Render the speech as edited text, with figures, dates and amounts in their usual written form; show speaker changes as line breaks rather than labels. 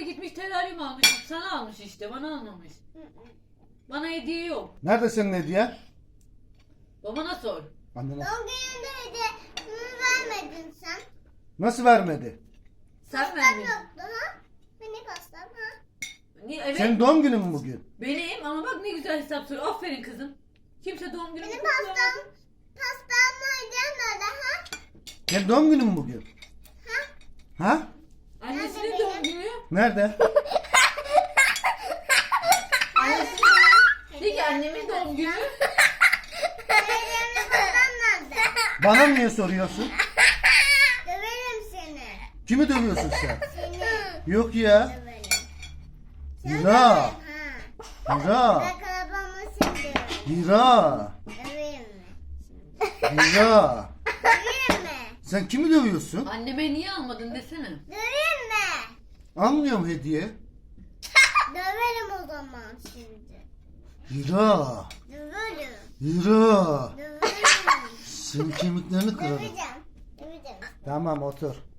da gitmiş teraryum almış. Sana almış işte, bana almamış. Bana hediye yok.
Nerede senin hediyen?
Babana sor.
Annene.
Doğum gününde bunu vermedin sen.
Nasıl vermedi?
Sen
Pastam
verdin.
yoktu ha? Benim pastam ha?
Niye? Evet.
Senin doğum günün mü bugün?
Benim ama bak ne güzel hesap soruyor. Aferin kızım. Kimse doğum günümü
Benim
kutlayamadı.
pastam nerede ha?
Senin doğum günün mü bugün? Ha?
Annesinin
Nerede
doğum günü.
Nerede?
De ki annemin doğum günü.
Benim pastam nerede?
Bana niye soruyorsun?
Döverim seni.
Kimi dövüyorsun sen?
Seni
Yok ya.
döverim.
Hira.
Ha.
Hira.
Ben kalabamı şimdi.
Hira.
Döveyim mi?
Hira.
Döveyim mi?
Sen kimi dövüyorsun?
Anneme niye almadın desene.
Döveyim mi?
Almıyorum hediye.
Döverim o zaman şimdi.
Hira.
Döverim.
Hira.
Döverim.
Senin kemiklerini kırarım.
Döveceğim. Döveceğim.
Tamam otur.